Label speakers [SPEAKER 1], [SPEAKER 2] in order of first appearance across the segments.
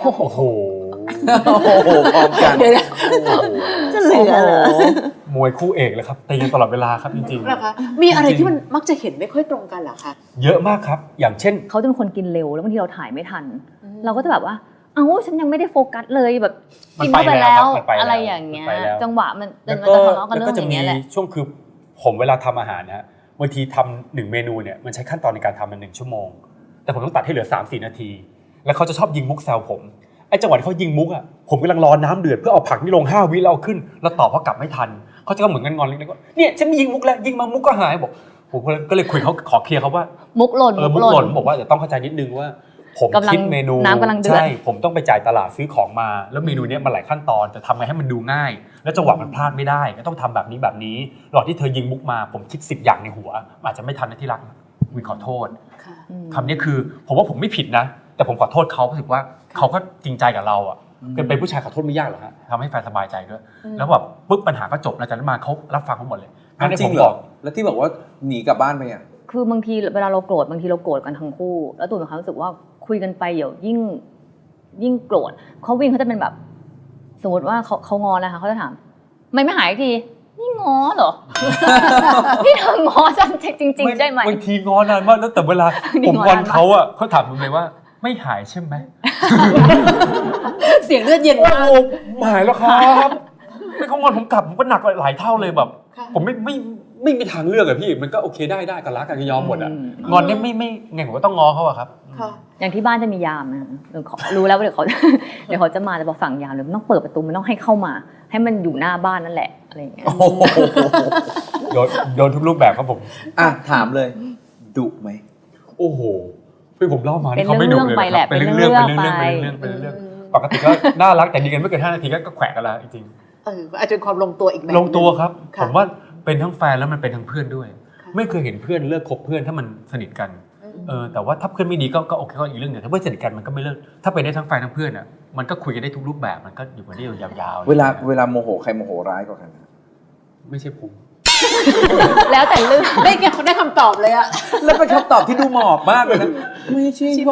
[SPEAKER 1] โอ้โห
[SPEAKER 2] โอ้โหพร้อมกัน
[SPEAKER 3] เดี๋ยวนะ
[SPEAKER 1] โอ้โห
[SPEAKER 3] จะเหลือเหรอ
[SPEAKER 1] มวยคู่เอกเลยครับตีกันตลอดเวลาครับจริง
[SPEAKER 4] นะคะมีอะไรที่มันมักจะเห็นไม่ค่อยตรงกันเหรอคะ
[SPEAKER 1] ๆ เยอะมากครับอย่างเช่น
[SPEAKER 5] เขาจะเป็นคนกินเร็วแล้วบางทีเราถ่ายไม่ทัน เราก็จะแบบว่าเอ้าฉันยังไม่ได้โฟกัสเลยแบบ
[SPEAKER 1] มัน
[SPEAKER 5] กิน
[SPEAKER 1] ไป
[SPEAKER 5] เข้าไป
[SPEAKER 1] แล้
[SPEAKER 5] แล้ว ว
[SPEAKER 1] มันไปแล้ว
[SPEAKER 5] อะไรอย่างเงี้ย
[SPEAKER 1] มันไปแล้ว
[SPEAKER 5] จังหวะมัน
[SPEAKER 1] แล้ว
[SPEAKER 5] มัน
[SPEAKER 1] ก็
[SPEAKER 5] จะทะเลาะกัน
[SPEAKER 1] แล้ว
[SPEAKER 5] เรื่
[SPEAKER 1] ก็
[SPEAKER 5] อง
[SPEAKER 1] จะ
[SPEAKER 5] อย่าง
[SPEAKER 1] มี
[SPEAKER 5] เงี้ยแหละ
[SPEAKER 1] ช่วงคือผมเวลาทำอาหารนะฮะบางทีทำ1 เมนูเนี่ยมันใช้ขั้นตอนในการทำมัน1 ชั่วโมงแต่ผมต้องตัดให้เหลือ 3-4 นาทีแล้วเขาจะชอบยิงมุกแซวผมไอ้จังหวะที่เขายิงมุกอ่ะผมกำลังรอน้ำเดือดเพื่อเอาผักนี่ลง5 วิแล้วเอาขึ้นแล้วตอบเขากลับไม่ทันเขาจะก็เหมือนกันงอนเล็กๆว่าเนี่ยฉันยิงมุกแล้วยิงมามุกก็หายบอกผมก็เลยคุยเขาขอเคลียร์เขาว่า
[SPEAKER 5] มุกหล่น
[SPEAKER 1] มุกหล่นบอกว่าเดี๋ยวต้องเข้าใจนิดนึงว่าผม
[SPEAKER 5] กำลัง
[SPEAKER 1] คิดเมนู
[SPEAKER 5] น้ำกำลังเดือด
[SPEAKER 1] ใช่ผมต้องไปจ่ายตลาดซื้อของมาแล้วเมนูเนี้ยมันหลายขั้นตอนแต่ทำไงให้มันดูง่าย แล้วจังหวะมันพลาดไม่ได้ก็ต้องทำแบบนี้ระหว่างที่เธอยิงมุกมาผมคิด10 อย่างในหัวอาจจะไม่ทันนะที่รักวินขอโทษ
[SPEAKER 4] ค่ะ
[SPEAKER 1] คำนี้คือผมว่าผมไม่ผิดนะแต่ผมขอโทษเขารู้สึกว่าเขาก็จริงใจกับเราอ่ะเป็นผู้ชายขอโทษไม่ยากหรอกฮะทำให้แฟนสบายใจด้วยแล้วแบบปุ๊บปัญหาก็จบหลังจากนั้นมาเขารับฟังเขาหมดเลย
[SPEAKER 2] จริงเหรอแล้วที่บอกว่าหนีกลับบ้านไปอ่ะ
[SPEAKER 5] คือบางทีเวลาเราโกรธบางทีเราโกรธกันทั้งคู่ แล้วตูนมีความรู้สึกว่าคุยกันไปเดี๋ยวยิ่งโกรธเขาวิ่งเขาจะเป็นแบบ สมมติว่าเขางอนะคะเขาจะถามไม่หายทีนี่งอเหรอ นี่เธองอฉันจริงๆใช่ไหม
[SPEAKER 1] บางทีงอนานมากแล้วแต่เวลา
[SPEAKER 5] นี่
[SPEAKER 1] ผม
[SPEAKER 5] งอน
[SPEAKER 1] งอนเขาอ่ะเขาถามผมเลยว่าไม่หายใช่ไหม
[SPEAKER 4] เสียงเลือดเย็น
[SPEAKER 1] โอ้
[SPEAKER 4] มาก
[SPEAKER 1] โหหายแล้วครับไม่เขางอนผมกลับผมก็หนักหลายเท่าเลยแบบ
[SPEAKER 4] ค่ะ
[SPEAKER 1] ผมไม่มีทางเลือกอะพี่มันก็โอเคได้กันรักกันก็ยอมหมดอะงอนเนี่ยไม่ไงผมก็ต้องงอเขาอะครับ
[SPEAKER 4] ค่ะ
[SPEAKER 5] อย่างที่บ้านจะมียามนะเดี๋ยวรู้แล้วว่าเดี๋ยวเขา เดี๋ยวเขาจะมาแต่บอกสั่งยามเลยมันต้องเปิดประตูมันต้องให้เข้ามา ให้มันอยู่หน้าบ้านนั่นแหละอะไรอย่างเงี้ย
[SPEAKER 2] โอ้โห
[SPEAKER 1] โดนทุกรูปแบบครับผม
[SPEAKER 2] อ่ะถามเลยดุไหม
[SPEAKER 1] โอ้โหพี่ผมเล่ามา
[SPEAKER 5] เป็น
[SPEAKER 1] นี่เขาไม่ดุเลย
[SPEAKER 5] เรื่องๆไปแหละ
[SPEAKER 1] เป็นเรื่อง
[SPEAKER 5] เป็นเรื่องๆ
[SPEAKER 1] เป็นเรื่องปกติก็น่ารักแต่ดีกันไม่เกิน5 นาทีก็แขวะกันแล้วจริง
[SPEAKER 4] อาจจะเป็นความลงตัวอีกแบบ
[SPEAKER 1] ลงตัวครับ
[SPEAKER 4] ค่ะ
[SPEAKER 1] ผมว่าเป็นทั้งแฟนแล้วมันเป็นทั้งเพื่อนด้วย
[SPEAKER 4] ค่ะ
[SPEAKER 1] ไม่เคยเห็นเพื่อนเลิกคบเพื่อนถ้ามันสนิทกันแต่ว่าถ้าเพื่อนไม่ดีก็โอเคก็อีกเรื่องหนึงถ้าเพื่อนสนิทกันมันก็ไม่เลิกถ้าเป็นได้ทั้งแฟนทั้งเพื่อนอ่ะมันก็คุยกันได้ทุกรูปแบบมันก็อยู่กันได้ยาวๆ
[SPEAKER 2] เวลาโมโหใครโมโหร้ายกว่ากัน
[SPEAKER 1] ไม่ใช่ผม
[SPEAKER 5] แล้วแต่เรื่อง
[SPEAKER 4] ได้คำตอบเลยอะ
[SPEAKER 2] แล้วเป็นคำตอบที่ดูหมอบมากเลยนะไม่ใช่ผม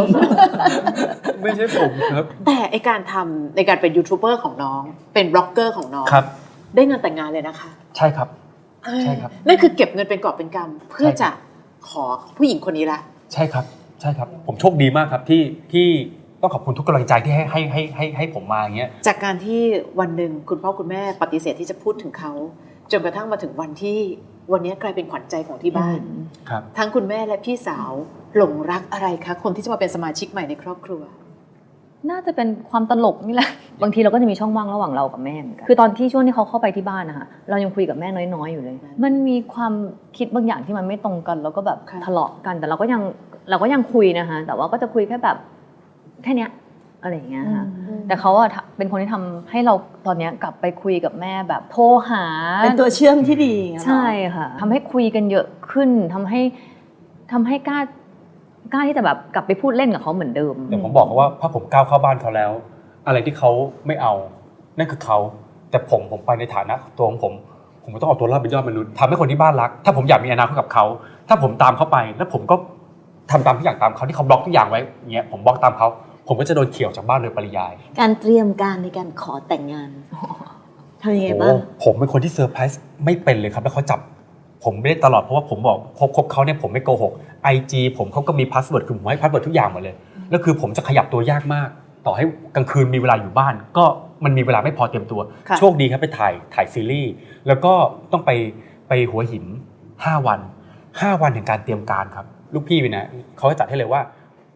[SPEAKER 1] ไม่ใช่ผมครับ
[SPEAKER 4] แต่ไอการทำในการเป็นยูทูบเบอร์ของน้อง เป็นบล็อกเกอร์ของน้อง
[SPEAKER 1] ครับ
[SPEAKER 4] ได้เงินแต่งงานเลยนะคะ
[SPEAKER 1] ใช่ครับ ใช่ครับ
[SPEAKER 4] นั่นคือเก็บเงินเป็นกอบเป็นกำเพื่อจะขอผู้หญิงคนนี้ละ
[SPEAKER 1] ใช่ครับผมโชคดีมากครับที่ต้องขอบคุณทุกกำลังใจที่ให้ผมมาอย่างเงี้ย
[SPEAKER 4] จากการที่วันหนึ่งคุณพ่อคุณแม่ปฏิเสธที่จะพูดถึงเขาจนกระทั่งมาถึงวันที่วันนี้กลายเป็นขวัญใจของที่บ้าน
[SPEAKER 1] ครับ
[SPEAKER 4] ทั้งคุณแม่และพี่สาวหลงรักอะไรคะคนที่จะมาเป็นสมาชิกใหม่ในครอบครัว
[SPEAKER 5] น่าจะเป็นความตลกนี่แหละ บางทีเราก็จะมีช่องว่างระหว่างเรากับแม่เหมือนกันคือตอนที่ช่วงที่เขาเข้าไปที่บ้านนะคะเรายังคุยกับแม่น้อยๆอยู่เลย มันมีความคิดบางอย่างที่มันไม่ตรงกันแล้วก็แบบ
[SPEAKER 4] ค่ะ
[SPEAKER 5] ทะเลาะกันแต่เราก็ยังคุยนะคะแต่ว่าก็จะคุยแค่แบบแค่เนี้ยอะไรอย่างเงี้ยค่ะแต่เขาอะเป็นคนที่ทำให้เราตอนเนี้ยกลับไปคุยกับแม่แบบโทรหา
[SPEAKER 3] เป็นตัวเชื่อมที่ดีอย่างเงี้ยเหรอ
[SPEAKER 5] ใช่ค่ะทำให้คุยกันเยอะขึ้นทำให้กล้าที่จะแบบกลับไปพูดเล่นกับเขาเหมือนเดิม
[SPEAKER 1] แต่ผมบอกเขาว่าถ้าผมก้าวเข้าบ้านเขาแล้ว อะไรที่เขาไม่เอานั่นคือเขาแต่ผมไปในฐานะตัวของผมก็ต้องเอาตัวรอดเป็นยอดมนุษย์ทำให้คนที่บ้านรัก ถ้าผมอยากมีอนาคตกับเขาถ้าผมตามเขาไปแล้วผมก็ทำตามทุกอย่างตามเขาที่เขาบล็อกทุกอย่างไว้อย่างเงี้ยผมบล็อกตามเขาผมก็จะโดนเขี่ยวจากบ้านโดยปริยาย
[SPEAKER 3] การเตรียมการในการขอแต่งงานทำยังไงบ้าง
[SPEAKER 1] โอ้ผมเป็นคนที่เซอร์ไพรส์ไม่เป็นเลยครับแล้วเขาจับผมไม่ได้ตลอดเพราะว่าผมบอกคบเขาเนี่ยผมไม่โกหก IG ผมเขาก็มีพาสเวิร์ดคือผมให้พาสเวิร์ดทุกอย่างหมดเลยแล้วคือผมจะขยับตัวยากมากต่อให้กลางคืนมีเวลาอยู่บ้านก็มันมีเวลาไม่พอเตรียมตัว
[SPEAKER 4] ค่ะ
[SPEAKER 1] โชคดีครับไปถ่ายซีรีส์แล้วก็ต้องไปหัวหิน5 วัน5 วันแห่งการเตรียมการครับลูกพี่วินะเขาจะจัดให้เลยว่า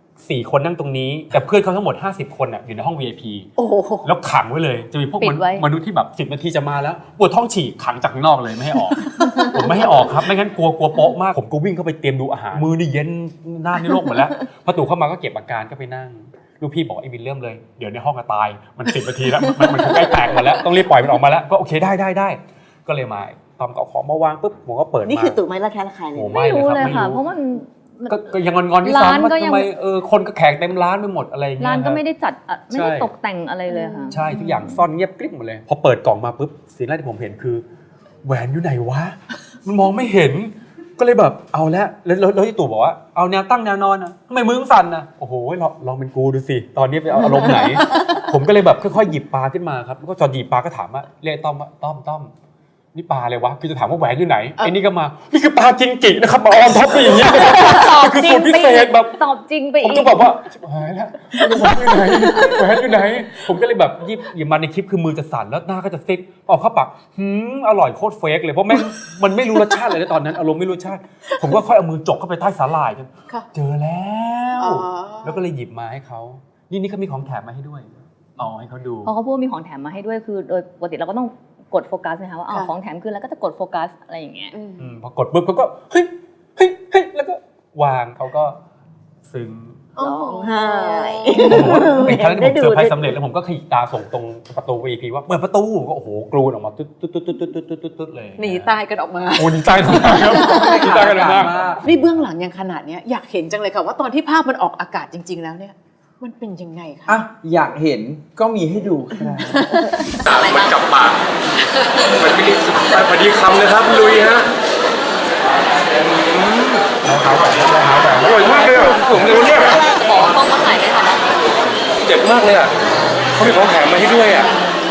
[SPEAKER 1] 4 คนนั่งตรงนี้แต่เพื่อนเขาทั้งหมด50 คนอยู่ในห้อง VIP
[SPEAKER 4] โอ้โห
[SPEAKER 1] แล้วขังไว้เลยจะมีพวก
[SPEAKER 5] ปิดไว้
[SPEAKER 1] มนุษย์ที่แบบ10 นาทีจะมาแล้วปวดท้องฉี่ขังจากข้างนอกเลยไม่ให้ออก ผมไม่ให้ออกครับไม่งั้นกลัวโป๊ะมากผมก็วิ่งเข้าไปเตรียมดูอาหารมือนี่เย็นหน้านี่โรคหมดแล้วพอตู่เข้ามาก็เก็บอาการก็ไปนั่งลูกพี่บอกไอ้บินเริ่มเลยเดี๋ยวในห้องจะตายมัน10 นาทีแล้วมันใกล้แตกหมดแล้วต้องรีบปล่อยมันออกมาแล้วก็โอเคได้ก็เลยมาตอมเก่าของมาวางปุ๊บผมก็เปิดมา
[SPEAKER 3] นี่คือตู่ไม้ละแค่ละใครเลย
[SPEAKER 1] โอ้
[SPEAKER 3] นะ
[SPEAKER 1] ไม่
[SPEAKER 5] ไม่รู้เลย
[SPEAKER 1] ไม่รู้
[SPEAKER 5] ค่ะ เพราะมัน
[SPEAKER 1] ก็ยังงอนที่
[SPEAKER 5] ร้าน
[SPEAKER 1] ซ้ำว่า
[SPEAKER 5] ก็ยัง
[SPEAKER 1] ทำไมคนก็แขกเต็มร้านไปหมดอะไรอย่างเงี้ย
[SPEAKER 5] ร้านก็
[SPEAKER 1] คบ
[SPEAKER 5] ไม่ได้จัดไม่ได้
[SPEAKER 1] ใช่
[SPEAKER 5] ตกแต่งอะไรเลยค่ะ
[SPEAKER 1] ใช่ทุกอย่างซ่อนเงียบกริบหมดเลยพอเปิดกล่องมาปุ๊บสิ่งแรกที่ผมเห็นคือแหวนอยู่ไหนวะมันมองไม่เห็นก็เลยแบบเอาแล้วที่ตู่บอกว่าเอาแนวตั้งแนวนอนนะทำไมมือสั่นนะโอ้โหลองเป็นกูดูสิตอนนี้ไปเอาอารมณ์ไหน ผมก็เลยแบบค่อยๆหยิบปลาขึ้นมาครับแล้วก็จอดหยิบปลาก็ถามว่าเรียกต้อมว่าต้อมนี่ปลาอะไรวะคือจะถามว่าแหวนอยู่ไหนไอ้นี่ก็มานี่คือปลาจิงกินะครับมาออนท็อปไปอย่างเงี้ย
[SPEAKER 5] ตอบ
[SPEAKER 1] คือ
[SPEAKER 5] จริ
[SPEAKER 1] สู
[SPEAKER 5] ง
[SPEAKER 1] ตรพิ
[SPEAKER 5] ไป
[SPEAKER 1] เศ
[SPEAKER 5] อี
[SPEAKER 1] ษ
[SPEAKER 5] ก
[SPEAKER 1] แบบ
[SPEAKER 5] ตอบจริงไป
[SPEAKER 1] ผม
[SPEAKER 5] อี
[SPEAKER 1] ก็
[SPEAKER 5] ก
[SPEAKER 1] บอกว่าชิบหายแล้วแหวนอยู่ไหนแหวนอยู่ไหน ผมก็เลยแบบหยิบมาในคลิปคือมือจะสั่นแล้วหน้าก็จะซิดออกเข้าปากอร่อยโคตรเฟกเลยเพราะมันไม่รู้รสชาติเลยนะตอนนั้นอารมณ์ไม่รู้รสชาติ ผมก็ค่อยเอามือจกเข้าไปใต้สาหร่ายจน
[SPEAKER 4] ค่ะ
[SPEAKER 1] เจอแล้ว
[SPEAKER 4] อ๋อ
[SPEAKER 1] แล้วก็เลยหยิบมาให้เขานี่เขามีของแถมมาให้ด้วยเอาให้เขาดู
[SPEAKER 5] พอเขาพูดว่ามีของแถมมาให้ด้วยคือโดยปกติเราก็ต้องกดโฟกัสนะคะว่าของแถมคือแล้วก็จะกดโฟกัสอะไรอย่างเงี้ย
[SPEAKER 1] พอกดปุ๊บเขาก็เฮ้ยแล้วก็วางเขาก็ซึ้ง
[SPEAKER 3] ร้องไห้
[SPEAKER 1] ผมว่าเป็นครั้งที่ผมเซอร์ไพรส์สำเร็จแล้วผมก็ขยิบตาส่งตรงประตู VIP ว่าเปิดประตูก็โอ้โหกรูนออกมาตุ๊ดเลย
[SPEAKER 4] หนีตายกันออกมา
[SPEAKER 1] โอ้หนีตายกันมากครับหนีตายกันมาก
[SPEAKER 4] นี่เบื้องหลังยังขนาดเนี้ยอยากเห็นจังเลยค่ะว่าตอนที่ภาพมันออกอากาศจริง ๆ แล้วเนี่ย มันเป็นยังไงคะ
[SPEAKER 2] อ่ะอยากเห็นก็มีให้ดูครับ
[SPEAKER 1] มันจับปากมันไม่ได้พอดีคำเลยครับลุยฮะเราหาแบบอร่อยมากเลยอ่ะผมเลยเนี่ย
[SPEAKER 5] บอกต้องมาถ่ายได้ค่ะ
[SPEAKER 1] เจ็บมากเลยอ่ะเขามีของแถมมาให้ด้วยอ่ะ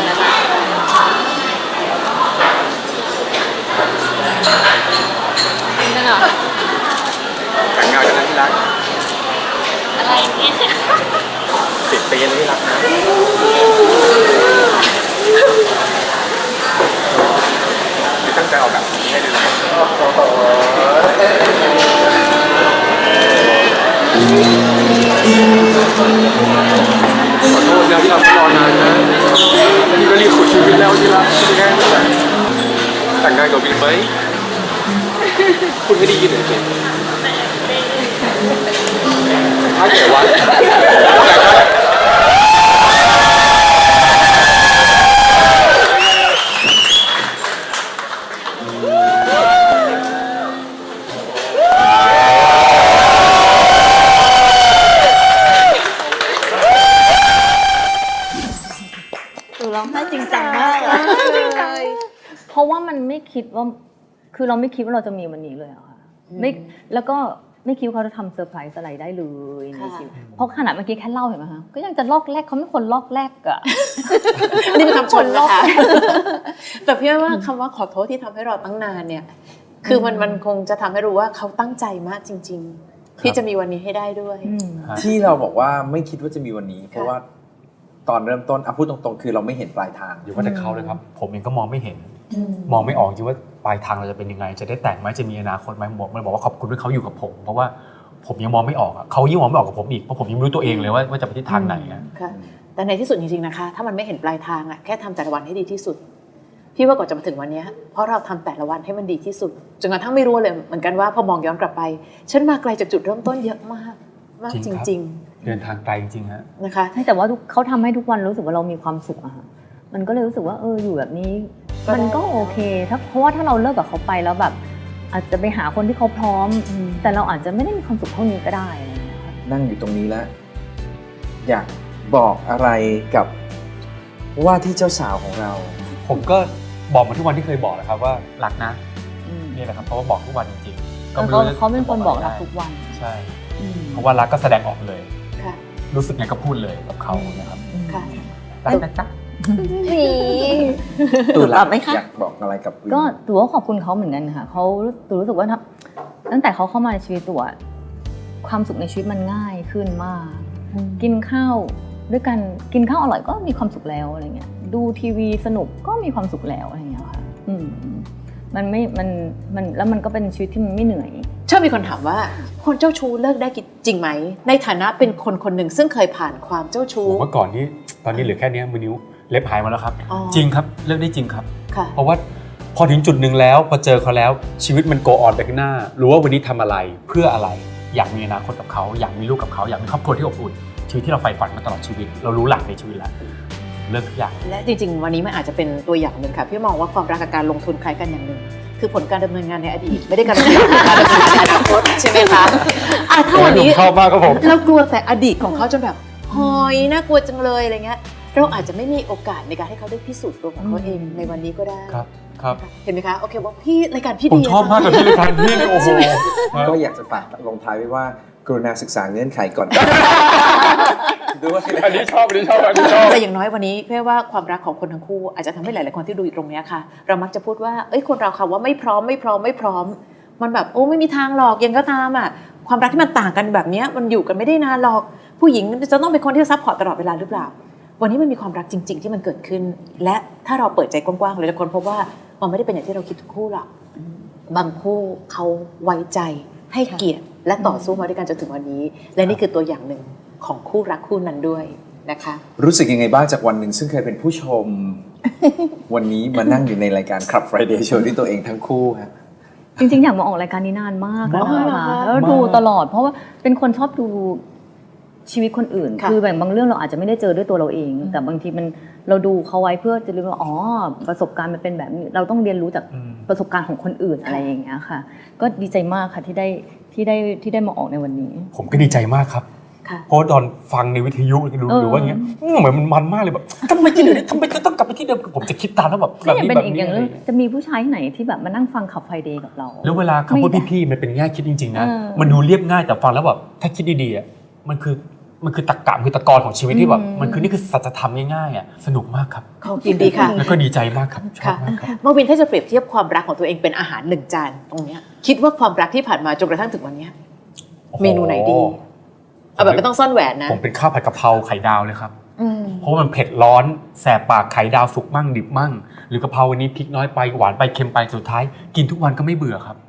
[SPEAKER 5] จริงจังอ่ะ
[SPEAKER 1] แต่งงานกันนะที่รัก
[SPEAKER 5] อะไรเนี่ย
[SPEAKER 1] 10 ปีเลยที่รักนะที่ตั้งใจออกแบบนี้ให้ดูนะขอโทษนะที่เรารอนานนะนี่ก็รีบขุดชีวิตแล้วที่รักที่แน่แต่งงานกับวินไหมคุณไม่ได้ยินเลยสิถ้าเกิดว่า
[SPEAKER 3] หนูร้องไห้จริงจังมากอะ
[SPEAKER 5] เพราะว่ามันไม่คิดว่าคือเราไม่คิดว่าเราจะมีวันนี้เลยอะค่ะไม่แล้วก็ไม่คิดว่าเขาจะทำเซอร์ไพรส์อะไรได้เลยในชีวิตเพราะขนาดเมื่อกี้แค่เล่าเห็นไหมคะก็ยังจะลอกแรกเขาไม่คนลอกแรกอะ
[SPEAKER 4] นี่เป็นคำชมนะคะ แต่พี่ว่าคำว่าขอโทษที่ทำให้เราตั้งนานเนี่ย คือมันคงจะทำให้รู้ว่าเขาตั้งใจมากจริง ๆ ที่จะมีวันนี้ให้ได้ด้วย
[SPEAKER 2] ที่เราบอกว่าไม่คิดว่าจะมีวันนี้ เพราะว่าตอนเริ่มต้นพูดตรงๆ คือเราไม่เห็นปลายทาง
[SPEAKER 1] อยู่ว่าแต่เขาเลยครับ ผมเองก็มองไม่เห็น มองไม่ออกจริงว่าปลายทางเราจะเป็นยังไง จะได้แต่งไหมจะมีอนาคตไหมมันบอกว่าขอบคุณที่เขาอยู่กับผม เพราะว่าผมยังมองไม่ออกอะเขายิ่งมองไม่ออกกับผมอีกเพราะผมยังไม่รู้ตัวเองเลยว่าจะไปทิศทางไหนอะ
[SPEAKER 4] ค่ะแต่ในที่สุดจริงๆนะคะ ถ้ามันไม่เห็นปลายทางอะแค่ทำแต่ละวันให้ดีที่สุด พี่ว่าก่อนจะมาถึงวันเนี้ยเพราะเราทำแต่ละวันให้มันดีที่สุดจนกระทั่งไม่รู้เลยเหมือนกันว่าพอมองย้อนกลับไป ฉันมาไกลจากจุดเริ่มต้นเยอะมากจริง
[SPEAKER 1] เดินทางไกลจริงๆฮะ
[SPEAKER 4] ๆนะคะ
[SPEAKER 5] ใช่แต่ว่าเขาทำให้ทุกวันรู้สึกว่าเรามีความสุขอะค่ะมันก็เลยรู้สึกว่าอยู่แบบนี้
[SPEAKER 4] ก็ได้
[SPEAKER 5] มันก็โอเคเพราะว่าถ้าเราเลิกกับเขาไปแล้วแบบ อาจจะไปหาคนที่เขาพร้อม แต่เราอาจจะไม่ได้มีความสุขเท่านี้ก็ได้อะไรอย่างเงี้ยค่ะ
[SPEAKER 2] นั่งอยู่ตรงนี้แล้ว อยากบอกอะไรกับว่าที่เจ้าสาวของเรา
[SPEAKER 1] ผมก็บอกมาทุกวันที่เคยบอกแหละครับว่ารักนะ
[SPEAKER 5] อืม
[SPEAKER 1] นี่แหละครับเพราะว่าบอกทุกวันจริงๆก็ไม่
[SPEAKER 5] เขา
[SPEAKER 1] รู้จะ
[SPEAKER 5] เขาเป็นคนบอกรักทุกวัน
[SPEAKER 1] ใช่เพราะว่ารักก็แสดงออกเลย
[SPEAKER 4] ค่ะ
[SPEAKER 1] รู้สึกไงก็พูดเลยกับเขานะครับ
[SPEAKER 4] ค่ะ
[SPEAKER 1] รักนะจ๊ะ
[SPEAKER 3] นี่
[SPEAKER 2] ตู
[SPEAKER 3] ตอบไหมคะ
[SPEAKER 2] อยากบอกอะไรกับวิน
[SPEAKER 5] ก็ตัวก็ขอบคุณเขาเหมือนกันค่ะเขาตัวรู้สึกว่าตั้งแต่เขาเข้ามาในชีวิตตัวความสุขในชีวิตมันง่ายขึ้นมาก กินข้าวด้วยกันกินข้าวอร่อยก็มีความสุขแล้วอะไรเงี้ยดูทีวีสนุกก็มีความสุขแล้วอะไรเงี้ยค่ะมันไม่มันแล้วมันก็เป็นชีวิตที่มันไม่เหนื่อย
[SPEAKER 4] ชอบมีคนถามว่าคนเจ้าชู้เลิกได้จริงไหมในฐานะเป็นคนคนหนึ่งซึ่งเคยผ่านความเจ้าชู้
[SPEAKER 1] ผมว่าก่อนนี้ตอนนี้เหลือแค่เนี้ยมือนิ้วเล็บหายมาแล้วครับ
[SPEAKER 4] อ๋อ
[SPEAKER 1] จริงครับเลิกได้จริงครับ
[SPEAKER 4] ค่ะ
[SPEAKER 1] เพราะว่าพอถึงจุดหนึ่งแล้วพอเจอเขาแล้วชีวิตมันโกออนไปข้างหน้า รู้ว่าวันนี้ทำอะไรเพื่ออะไรอยากมีอนาคตกับเขาอยากมีลูกกับเขาอยากมีครอบครัวที่อบอุ่นชีวิตที่เราใฝ่ฝันมาตลอดชีวิต เรารู้หลักในชีวิตแล้วเลิกทุกอย่าง
[SPEAKER 4] และจริงๆ วันนี้มันอาจจะเป็นตัวอย่างหนึ่งค่ะพี่มองว่าความรักกับการลงทุนคล้ายกันอย่างหนึ่งคือผลการดำเนินงานในอดีต ไม่ได้การดำเนินงานในอนาคตใช่ไหมคะถ้าวันนี้
[SPEAKER 1] ชอบมากครับผม
[SPEAKER 4] เรากลัวแต่อดีตของเขาจนแบบหอยน่ากลัวจังเลยอะไรเงี้ยเราอาจจะไม่มีโอกาสในการให้เขาได้พิสูจน์ตัวของเขาเองในวันนี้ก็ได้
[SPEAKER 1] ครับครับ
[SPEAKER 4] เห็นไหมคะโอเคบอกพี่รายการพี่
[SPEAKER 1] ผม
[SPEAKER 4] ดี
[SPEAKER 1] ชอบมากกับที่รายการพี่เนี่ยโอ้โห
[SPEAKER 2] ก็อยากจะฝากลงท้ายไว้ว่ากรุณาศึกษาเงื่อนไขก่อน ด้วย
[SPEAKER 1] อันนี้ชอบอันนี้ชอบอันนี้ชอบ
[SPEAKER 4] แต่อย่างน้อยวันนี้เพื่อว่าความรักของคนทั้งคู่อาจจะทำให้หลายๆคนที่ดูอยู่ตรงเนี้ยค่ะ เรามักจะพูดว่าเอ้ยคนเราค่ะว่าไม่พร้อมมันแบบโอ้ไม่มีทางหรอกยังก็ตามอ่ะความรักที่มันต่างกันแบบเนี้ยมันอยู่กันไม่ได้นานหรอกผู้หญิงจะต้องเป็นคนที่ซัพพอร์ตตลอดเวลาหรือเปล่าวันนี้มันมีความรักจริง ๆ ที่มันเกิดขึ้น และถ้าเราเปิดใจกว้างๆเราจะค้นพบว่ามันไม่ได้เป็นอย่างที่เราคิดทุกคู่หรอกบางคู่เขาไว้ใจให้เกียรติและต่อสู้มาด้วยกันจนถึงวันนี้ และนี่คือตัวอย่างหนึ่งของคู่รักคู่นั้นด้วยนะคะ
[SPEAKER 2] รู้สึกยังไงบ้างจากวันหนึ่งซึ่งเคยเป็นผู้ชม วันนี้มานั่งอยู่ในรายการ Club Friday Show ที่ตัวเองทั้งคู่ฮะ
[SPEAKER 5] จริงๆอยากมาออกรายการนี้นานมากแล้ว
[SPEAKER 4] มาก
[SPEAKER 5] ค่ะ
[SPEAKER 4] เหรอคะ
[SPEAKER 5] แล้วดูตลอด เพราะว่าเป็นคนชอบดูชีวิตคนอื่น
[SPEAKER 4] ค่ะ
[SPEAKER 5] คือแบบบางเรื่องเราอาจจะไม่ได้เจอด้วยตัวเราเอง แต่บางทีมันเราดูเขาไว้เพื่อจะรู้ว่าอ๋อประสบการณ์มันเป็นแบบนี้เราต้องเรียนรู้จากประสบการณ์ของคนอื่นอะไรอย่างเงี้ยค่ะ ก็ดีใจมากค่ะที่ได้มาออกในวันนี้
[SPEAKER 1] ผมก็ดีใจมากครับ
[SPEAKER 4] ค่ะ
[SPEAKER 1] เพราะตอนฟังในวิทยุหรือว่าอย่างเงี้ยเหมือนมันมากเลยแบบทำไมที่เดิมทำไมต้องกลับไปที่เดิมผมจะคิดตามแล้วแบบ
[SPEAKER 5] ก็ยัง
[SPEAKER 1] นี้
[SPEAKER 5] เป็น
[SPEAKER 1] แบบ
[SPEAKER 5] อีก
[SPEAKER 1] นี้
[SPEAKER 5] อย่าง
[SPEAKER 1] อะไร
[SPEAKER 5] นึงจะมีผู้ชายที่ไหนที่แบบมานั่งฟังขับไฟเดย์กับเรา
[SPEAKER 1] แล้วเวลาคำพูดพี่ๆมันเป็นแง่คิดจริงๆนะ
[SPEAKER 5] เออ
[SPEAKER 1] มันดูเรียบง่ายแต่ฟังแล้วแบบถ้าคิดดีๆอ่ะมันคือตรรกะคือตะกอนของชีวิตที่แบบมันคือนี่คือสัจธรรมง่ายๆอ่ะสนุกมากครับ
[SPEAKER 4] ยินดีค่ะ
[SPEAKER 1] แล้วก็ดีใจมากครับชอบ
[SPEAKER 4] ค่ะ
[SPEAKER 1] มากครับ
[SPEAKER 4] เมื่อวินถ้าจะเปรียบเทียบความรักของตัวเองเป็นอาหารหนึ่งจานตรงเนี้ยคิดว่าความรักที่ผ่านมาจนกระทั่งถึงวันเนี้ยเมนูไหนดีเอาแบบไม่ต้องซ่อนแหวนนะ
[SPEAKER 1] ผมเป็นข้าวผัดกะเพราไข่ดาวเลยครับ
[SPEAKER 4] อืม
[SPEAKER 1] เพราะว่ามันเผ็ดร้อนแสบปากไข่ดาวสุกมั่งดิบมั่ง หรือกะเพราวันนี้พริกน้อยไปหวานไปเค็มไปสุดท้าย กินทุกวันก็ไม่เบื่อครับ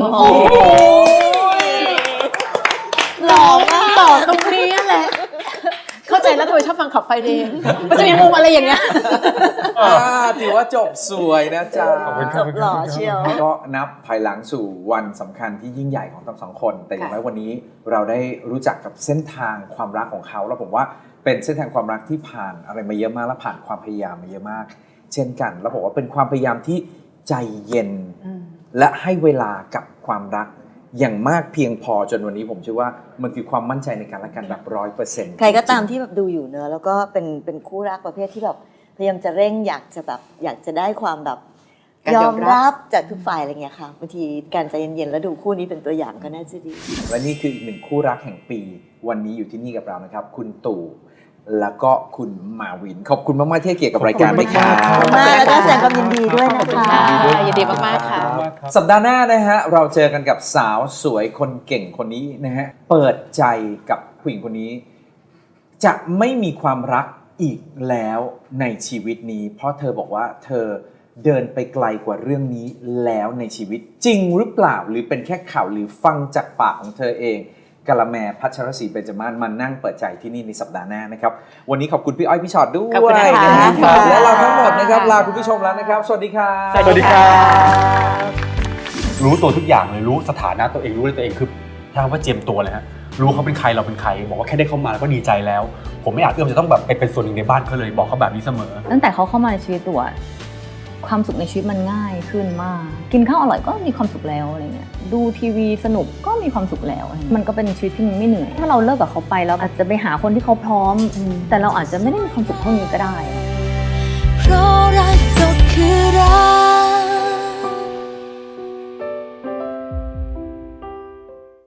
[SPEAKER 4] หล่อมากต่อตรงนี้แหละ เข้าใจแล้วทำไมชอบฟังขับไฟเดย์มันจะมีมุมอะไรอย่างเงี้ย
[SPEAKER 2] ถือว่าจบสวยนะจ๊ะ
[SPEAKER 1] ขอบคุณครับ
[SPEAKER 3] จบหล่อเชียว
[SPEAKER 2] ก็นับภายหลังสู่วันสำคัญที่ยิ่งใหญ่ของทั้งสองคน แต่อย่างไรวันนี้เราได้รู้จักกับเส้นทางความรักของเขา แล้วผมว่าเป็นเส้นทางความรักที่ผ่านอะไรมาเยอะมากและผ่านความพยายามมาเยอะมาก เช่นกัน แล้วผมว่าเป็นความพยายามที่ใจเย็น และให้เวลากับความรักอย่างมากเพียงพอจนวันนี้ผมเชื่อว่ามันคือความมั่นใจในการละกันแบบ100%
[SPEAKER 3] ใครก็ตามที่แบบดูอยู่เนอะแล้วก็เป็นคู่รักประเภทที่แบบพยายามจะเร่งอยากจะได้ความแบบ
[SPEAKER 4] การ
[SPEAKER 3] ย
[SPEAKER 4] ย
[SPEAKER 3] อ
[SPEAKER 4] อ
[SPEAKER 3] ม
[SPEAKER 4] มรับ
[SPEAKER 3] รับจากทุกฝ่ายอะไรเงี้ยค่ะบางทีการใจเย็นๆแล้วดูคู่นี้เป็นตัวอย่างก็น่าจะดี
[SPEAKER 2] และนี่คืออีกหนึ่งคู่รักแห่งปี วันนี้อยู่ที่นี่กับเรานะครับ คุณตู่แล้วก็คุณมาวิน ขอบคุณมากๆที่ให้เกียรติกับรายการ
[SPEAKER 1] ขอบคุณ
[SPEAKER 2] ครั
[SPEAKER 1] มากครับ
[SPEAKER 2] บ
[SPEAKER 3] มากแล้วก็แสดงความยินดีด้วย
[SPEAKER 4] ขอบ
[SPEAKER 3] นะ
[SPEAKER 4] คุณ
[SPEAKER 3] คะ
[SPEAKER 4] ค่ะยินดีมากๆค่ะ
[SPEAKER 2] สัปดาห์หน้านะฮะเราเจอกันกับสาวสวยคนเก่งคนนี้นะฮะเปิดใจกับผู้หญิงคนนี้ จะไม่มีความรักอีกแล้วในชีวิตนี้ เพราะเธอบอกว่าเธอเดินไปไกลกว่าเรื่องนี้แล้วในชีวิตจริงหรือเปล่าหรือเป็นแค่ข่าวหรือฟังจากปากของเธอเองกะละแมพัชรศรีเบญจมาศมานั่งเปิดใจที่นี่ในสัปดาห์หน้านะครับวันนี้ขอบคุณพี่อ้อยพี่ชอตด้วย
[SPEAKER 4] ขอบคุณนะคะ
[SPEAKER 2] นะฮะ
[SPEAKER 3] ค่ะ
[SPEAKER 2] และเราทั้งหมดนะครับลาคุณผู้ชมแล้วนะครับสวัสดีครับ
[SPEAKER 1] สวัสดีครับ รู้ตัวทุกอย่างเลยรู้สถานะตัวเองรู้เลยตัวเองคือถ้าว่าเจียมตัวเลยฮะรู้เขาเป็นใครเราเป็นใครบอกว่าแค่ได้เข้ามาก็ดีใจแล้ว ผมไม่อาจเอื้อมจะต้องแบบไปเป็นส่วนหนึ่งในบ้านเขาเลยบอกเขาแบบนี้เสมอ
[SPEAKER 5] ตั้งแต่เขาเข้ามาในชีวิตตัวความสุขในชีวิตมันง่ายขึ้นมาก กินข้าวอร่อยก็มีความสุขแล้วอะไรเงี้ยดูทีวีสนุกก็มีความสุขแล้วอะไรเงี้ยมันก็เป็นชีวิตที่มันไม่เหนื่อยถ้าเราเลิกกับเขาไปเราอาจจะไปหาคนที่เขาพร้อม แต่เราอาจจะไม่ได้มีความสุขเท่านี้ก็ได้
[SPEAKER 6] เพราะรักก็คือรัก